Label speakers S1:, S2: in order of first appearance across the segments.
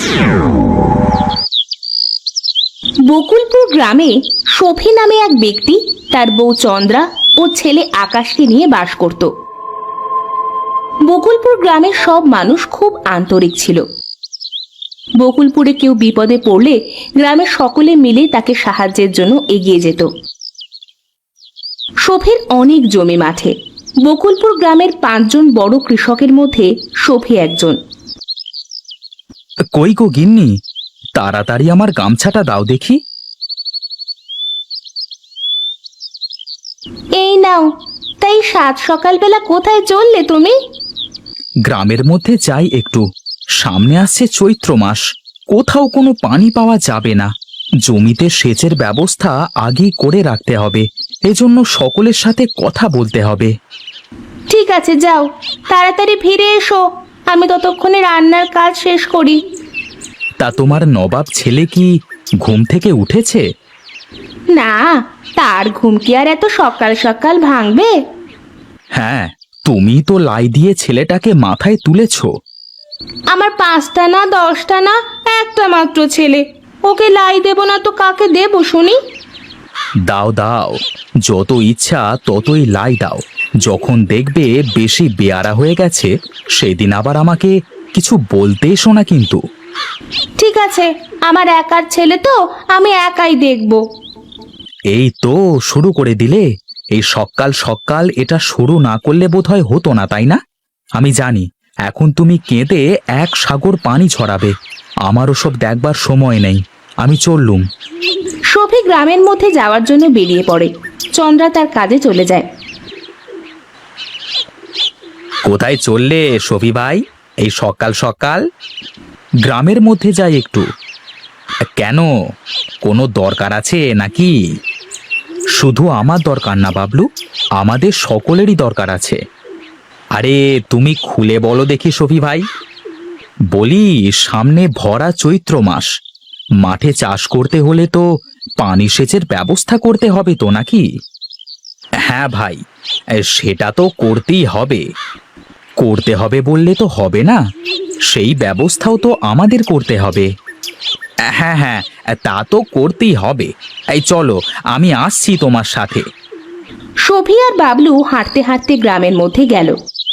S1: বকুলপুর গ্রামে শফি নামে এক ব্যক্তি তার বউ চন্দ্রা ও ছেলে আকাশকে নিয়ে বাস করত। বকুলপুর গ্রামের সব মানুষ খুব আন্তরিক ছিল। বকুলপুরে কেউ বিপদে পড়লে গ্রামের সকলে মিলে তাকে সাহায্যের জন্য এগিয়ে যেত। শফির অনেক জমি মাঠে। বকুলপুর গ্রামের 5 জন বড় কৃষকের মধ্যে শফি একজন।
S2: কই গো গিন্নি, তাড়াতাড়ি আমার গামছাটা দাও দেখি।
S1: এই নাও। তাই সাত সকালবেলা কোথায় চললে তুমি?
S2: গ্রামের মধ্যে যাই একটু, সামনে আসছে চৈত্র মাস, কোথাও কোনো পানি পাওয়া যাবে না। জমিতে সেচের ব্যবস্থা আগেই করে রাখতে হবে, এজন্য সকলের সাথে কথা বলতে হবে।
S1: ঠিক আছে, যাও, তাড়াতাড়ি ফিরে এসো। আমি ততক্ষণে রান্নার কাজ শেষ করি।
S2: তা তোমার নবাব ছেলে কি ঘুম থেকে উঠেছে?
S1: না, তার ঘুম কি আর এত সকাল সকাল ভাঙবে?
S2: হ্যাঁ, তুমি তো লাই দিয়ে ছেলেটাকে মাথায় তুলেছ।
S1: আমার 5টা না 10টা না, একটা মাত্র ছেলে। ওকে লাই দেব না তো কাকে দেব শুনি?
S2: দাও দাও, যত ইচ্ছা ততই লাই দাও। যখন দেখবে বেশি বেয়ারা হয়ে গেছে, সেদিন আবার আমাকে কিছু বলতে এসো না কিন্তু।
S1: ঠিক আছে, আমার একার ছেলে তো, আমি একাই দেখব।
S2: এই তো শুরু করে দিলে। এই সকাল সকাল এটা শুরু না করলে বোধহয় হতো না, তাই না? আমি জানি এখন তুমি কেঁদে এক সাগর পানি ছড়াবে। আমারও সব দেখবার সময় নেই, আমি চললুম।
S1: শফি গ্রামের মধ্যে যাওয়ার জন্য বেরিয়ে পড়ে। চন্দ্রা তার কাজে চলে যায়।
S2: কোথায় চললে শফি ভাই, এই সকাল সকাল? গ্রামের মধ্যে যাই একটু। কেন, কোনো দরকার আছে নাকি? শুধু আমার দরকার না বাবলু, আমাদের সকলেরই দরকার আছে। আরে তুমি খুলে বলো দেখি শফি ভাই। বলি, সামনে ভরা চৈত্র মাস, মাঠে চাষ করতে হলে তো পানি সেচের ব্যবস্থা করতে হবে তো নাকি? হ্যাঁ ভাই, সেটা তো করতেই হবে। করতে হবে বললে তো হবে না, সেই ব্যবস্থাও তো আমাদের করতে হবে। হ্যাঁ হ্যাঁ, তা তো করতেই হবে। এই চলো, আমি আসছি তোমার সাথে।
S1: শফি আর বাবলু হাঁটতে হাঁটতে গ্রামের মধ্যে গেল।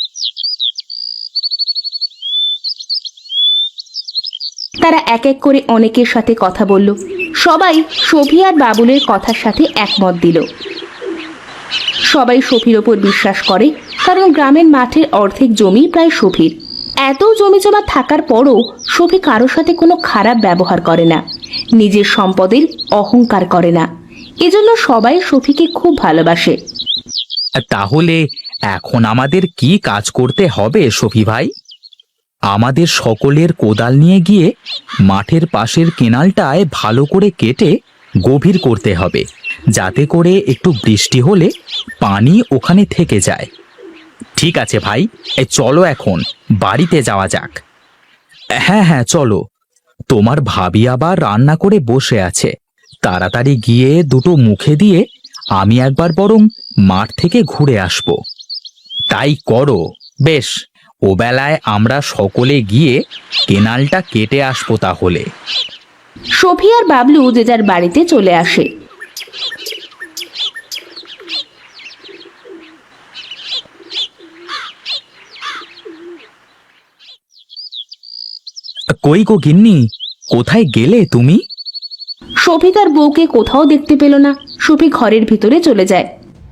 S1: তারা এক এক করে অনেকের সাথে কথা বলল। সবাই শফি আর বাবুলের কথার সাথে একমত দিল। সবাই শফির ওপর বিশ্বাস করে, কারণ গ্রামের মাঠের অর্ধেক জমি প্রায় শফির। এত জমি জমা থাকার পরও শফি কারোর সাথে কোনো খারাপ ব্যবহার করে না, নিজের সম্পদের অহংকার করে না। এজন্য সবাই শফিকে খুব ভালোবাসে।
S2: তাহলে এখন আমাদের কি কাজ করতে হবে শফি ভাই? আমাদের সকলের কোদাল নিয়ে গিয়ে মাঠের পাশের কেনালটায় ভালো করে কেটে গভীর করতে হবে, যাতে করে একটু বৃষ্টি হলে পানি ওখানে থেকে যায়। ঠিক আছে ভাই, চলো এখন বাড়িতে যাওয়া যাক। হ্যাঁ হ্যাঁ চলো, তোমার ভাবি আবার রান্না করে বসে আছে। তাড়াতাড়ি গিয়ে দুটো মুখে দিয়ে আমি একবার বরং মাঠ থেকে ঘুরে আসব। তাই করো। বেশ, ও বেলায় আমরা সকলে গিয়ে কেনালটা কেটে আসবো তাহলে।
S1: শফি আর বাবলু যে যার বাড়িতে চলে আসে।
S2: কই গো গিন্নি, কোথায় গেলে তুমি?
S1: শফি তার বউকে কোথাও দেখতে পেল না। শফি ঘরের ভিতরে চলে যায়।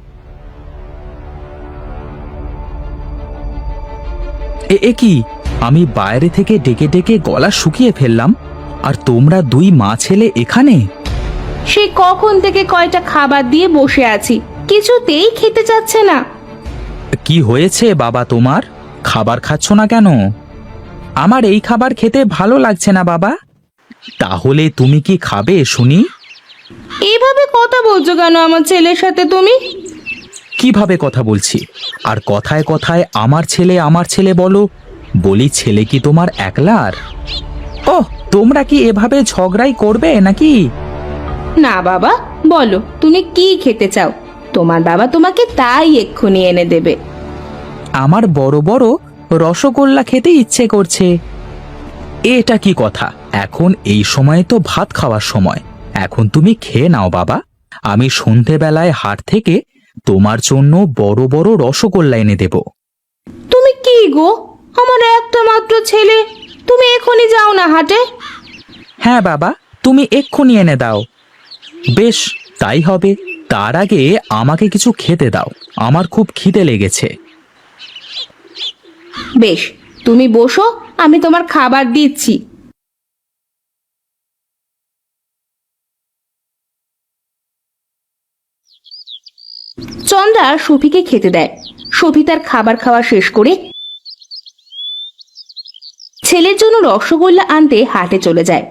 S2: এ কি, আমি বাইরে থেকে ডেকে ডেকে গলা শুকিয়ে ফেললাম, আর তোমরা দুই মা ছেলে এখানে?
S1: সে কখন থেকে কয়টা খাবার দিয়ে বসে আছি, কিছুতেই খেতে চাচ্ছে না।
S2: কি হয়েছে বাবা তোমার, খাবার খাচ্ছ না কেন? আমার এই খাবার খেতে ভালো লাগছে না বাবা। তাহলে তুমি কি খাবে শুনি?
S1: এইভাবে কথা বলছো কেন আমার ছেলের সাথে তুমি?
S2: কিভাবে কথা বলছি? আর কথায় কথায় আমার ছেলে বলো। বলি, ছেলে কি তোমার একলার? ওহ, তোমরা কি এভাবে ঝগড়াই করবে নাকি?
S1: না বাবা, বলো তুমি কি খেতে চাও, তোমার বাবা তোমাকে তাই এক্ষুনি এনে দেবে।
S2: আমার বড় বড় রসগোল্লা খেতে ইচ্ছে করছে। এটা কি কথা? এখন এই সময়ে তো ভাত খাওয়ার সময়। এখন তুমি খেয়ে নাও বাবা। আমি সন্ধেবেলায় হাট থেকে তোমার জন্য বড় বড় রসগোল্লা এনে দেব।
S1: তুমি কি গো, আমার একটা মাত্র ছেলে, তুমি এখনই যাও না হাটে?
S2: হ্যাঁ বাবা, তুমি এক্ষুনি এনে দাও। বেশ, তাই হবে। তার আগে আমাকে কিছু খেতে দাও, আমার খুব খিদে লেগেছে।
S1: বেশ, তুমি বসো, আমি তোমার খাবার দিচ্ছি। চন্দ্রা সফিকে খেতে দেয়। সফি তার খাবার খাওয়া শেষ করে ছেলের জন্য রসগোল্লা আনতে হাটে চলে যায়।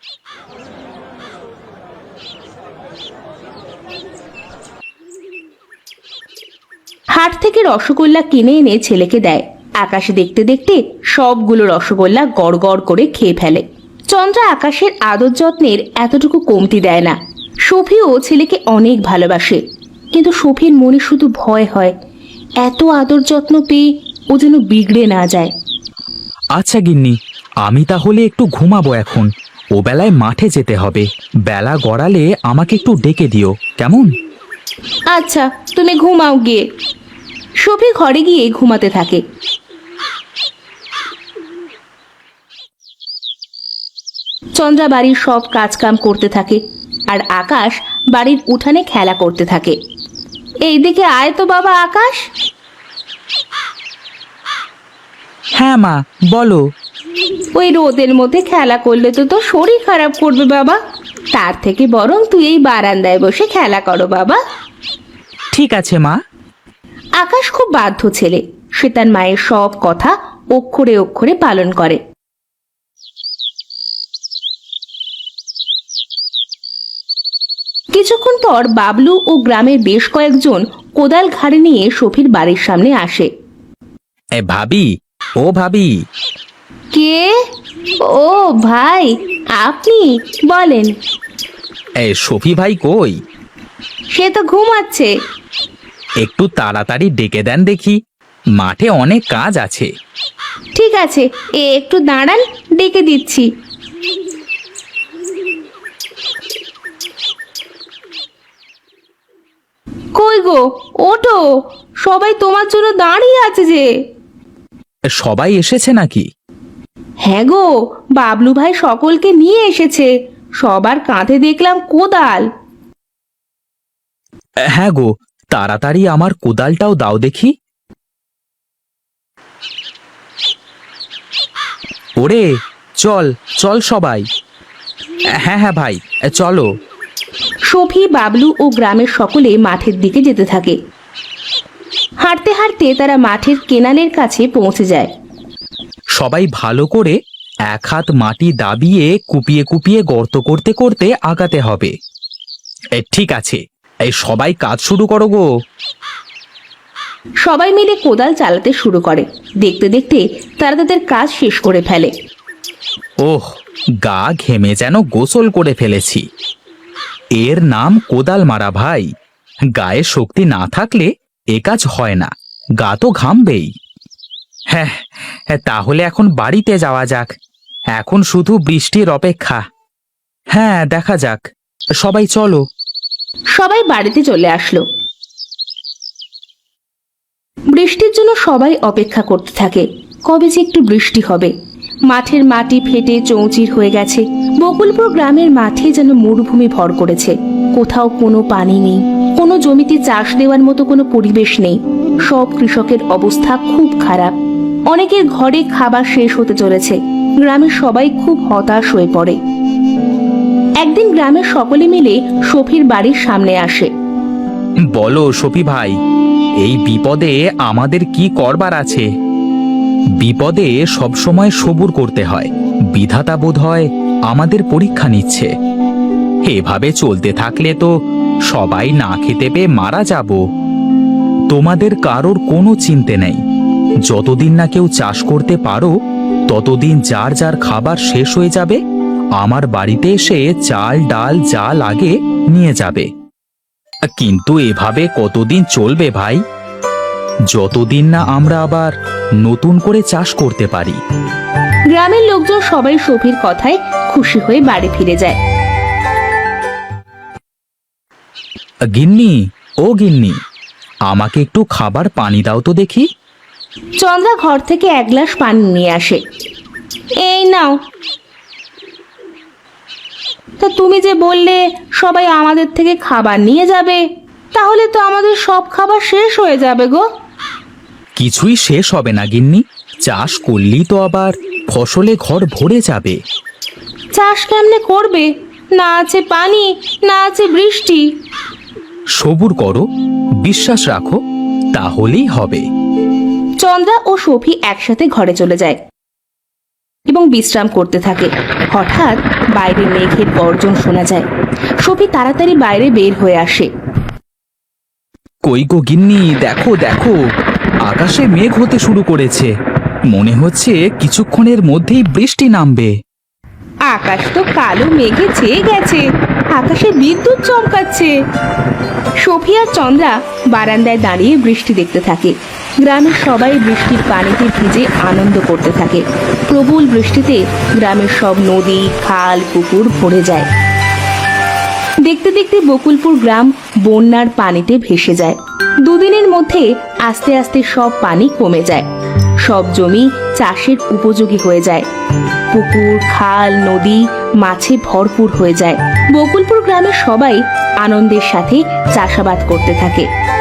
S1: হাট থেকে রসগোল্লা কিনে এনে ছেলেকে দেয়। আকাশে দেখতে দেখতে সবগুলো রসগোল্লা গড় গড় করে খেয়ে ফেলে। চন্দ্রা আকাশের আদর যত্নের এতটুকু কমতি দেয় না। সফিও ছেলেকে অনেক ভালোবাসে, কিন্তু সফির মনে শুধু ভয় হয়, এত আদর যত্ন পেয়ে ও যেন বিগড়ে না যায়।
S2: আচ্ছা গিন্নি, আমি তাহলে একটু ঘুমাবো এখন। ও বেলায় মাঠে যেতে হবে। বেলা গড়ালে আমাকে একটু ডেকে দিও, কেমন?
S1: আচ্ছা, তুমি ঘুমাও গিয়ে। সফি ঘরে গিয়ে ঘুমাতে থাকে। চন্দ্রা বাড়ির সব কাজকাম করতে থাকে, আর আকাশ বাড়ির উঠানে খেলা করতে থাকে। এইদিকে আয় তো বাবা আকাশ।
S2: হ্যাঁ মা, বলো।
S1: ওই রোদের মধ্যে খেলা করলে তো তোর শরীর খারাপ করবে বাবা। তার থেকে বরং তুই এই বারান্দায় বসে খেলা করো বাবা।
S2: ঠিক আছে মা।
S1: আকাশ খুব বাধ্য ছেলে, সে তার মায়ের সব কথা অক্ষরে অক্ষরে পালন করে। কিছুক্ষণ পর বাবলু ও গ্রামের বেশ কয়েকজন কোদাল ঘাড়ে নিয়ে সফির বাড়ির সামনে আসে।
S2: ভাবি, ও ভাবি।
S1: কে? ও ভাই, আপনি বলেন।
S2: সফি ভাই কই?
S1: সে তো ঘুমাচ্ছে।
S2: একটু তাড়াতাড়ি ডেকে দেন দেখি, মাঠে অনেক কাজ আছে।
S1: ঠিক আছে, একটু দাঁড়ান, ডেকে দিচ্ছি। কই গো, ওঠো, সবাই তোমার জন্য দাঁড়িয়ে আছে যে।
S2: সবাই এসেছে নাকি?
S1: হ্যাঁ গো, বাবলু ভাই সকলকে নিয়ে এসেছে। সবার কাঁধে দেখলাম কোদাল।
S2: হ্যাঁ গো, তাড়াতাড়ি আমার কোদালটাও দাও দেখি। ওরে, চল চল সবাই। হ্যাঁ হ্যাঁ ভাই, চলো।
S1: সফি, বাবলু ও গ্রামের সকলে মাঠের দিকে যেতে থাকে। হাঁটতে হাঁটতে তারা মাঠের কেনালের কাছে পৌঁছে যায়।
S2: সবাই ভালো করে এক হাত মাটি দাবিয়ে কুপিয়ে কুপিয়ে গর্ত করতে করতে আগাতে হবে। ঠিক আছে, এই সবাই কাজ শুরু করো গো।
S1: সবাই মিলে কোদাল চালাতে শুরু করে। দেখতে দেখতে তারা তাদের কাজ শেষ করে ফেলে।
S2: ওহ, গা ঘেমে যেন গোসল করে ফেলেছি। এর নাম কোদাল মারা ভাই। গায়ে শক্তি না থাকলে এ কাজ হয় না, গা তো ঘামবেই। হ্যাঁ, তাহলে এখন বাড়িতে যাওয়া যাক। এখন শুধু বৃষ্টির অপেক্ষা। হ্যাঁ, দেখা যাক। সবাই চলো।
S1: সবাই বাড়িতে চলে আসলো। বৃষ্টির জন্য সবাই অপেক্ষা করতে থাকে, কবে যে একটু বৃষ্টি হবে। মাঠের মাটি ফেটে চৌচির হয়ে গেছে। বকুলপুর গ্রামের মাঠে যেন মরুভূমি ভর করেছে। কোথাও কোনো পানি নেই, কোনো জমিতে চাষ দেওয়ার মতো কোনো পরিবেশ নেই। সব কৃষকের অবস্থা খুব খারাপ। অনেকের ঘরে খাবার শেষ হতে চলেছে। গ্রামের সবাই খুব হতাশ হয়ে পড়ে। একদিন গ্রামের সকলে মিলে সফির বাড়ির সামনে আসে।
S2: বলো সফি ভাই, এই বিপদে আমাদের কি করবার আছে? বিপদে সবসময় সবুর করতে হয়। বিধাতা বোধ হয় আমাদের পরীক্ষা নিচ্ছে। এভাবে চলতে থাকলে তো সবাই না খেতে পেয়ে মারা যাব। তোমাদের কারোর কোনো চিন্তা নেই। যতদিন না কেউ চাষ করতে পারো, ততদিন যার যার খাবার শেষ হয়ে যাবে, আমার বাড়িতে এসে চাল ডাল যা লাগে নিয়ে যাবে। কিন্তু এভাবে কতদিন চলবে ভাই? যতদিন না আমরা আবার নতুন করে চাষ করতে পারি।
S1: গ্রামের লোকজন সবাই সফির কথায় খুশি হয়ে বাড়ি ফিরে যায়।
S2: গিন্নি, ও গিন্নি, আমাকে একটু খাবার পানি দাও তো দেখি।
S1: চন্দ্রা ঘর থেকে এক গ্লাস পানি নিয়ে আসে। এই নাও। তা তুমি যে বললে সবাই আমাদের থেকে খাবার নিয়ে যাবে, তাহলে তো আমাদের সব খাবার শেষ হয়ে যাবে গো।
S2: কিছুই শেষ হবে না গিন্নি, চাষ করলেই তো আবার ফসলে ঘর ভরে যাবে।
S1: চাষ কেমনে করবে? না আছে পানি, না আছে বৃষ্টি।
S2: সবুর করো, বিশ্বাস রাখো, তাহলেই হবে।
S1: চন্দ্রা ও সফি একসাথে ঘরে চলে যায় এবং বিশ্রাম করতে থাকে। হঠাৎ বাইরে মেঘের গর্জন শোনা যায়। সফি তাড়াতাড়ি বাইরে বের হয়ে আসে।
S2: কই গো গিন্নি, দেখো দেখো, আকাশে মেঘ হতে শুরু করেছে। মনে হচ্ছে কিছুক্ষণের মধ্যেই বৃষ্টি নামবে।
S1: আকাশ তো কালো মেঘে ছেয়ে গেছে, আকাশে বিদ্যুৎ চমকাচ্ছে। সফি আর চন্দ্রা বারান্দায় দাঁড়িয়ে বৃষ্টি দেখতে থাকে। গ্রামের সবাই বৃষ্টির পানিতে ভিজে আনন্দ করতে থাকে। প্রবল বৃষ্টিতে গ্রামের সব নদী, খাল, পুকুর ভরে যায়। দেখতে দেখতে বকুলপুর গ্রাম বন্যার পানিতে ভেসে যায়। দুদিনের মধ্যে আস্তে আস্তে সব পানি কমে যায়। সব জমি চাষের উপযোগী হয়ে যায়। পুকুর, খাল, নদী মাছে ভরপুর হয়ে যায়। বকুলপুর গ্রামের সবাই আনন্দের সাথে চাষাবাদ করতে থাকে।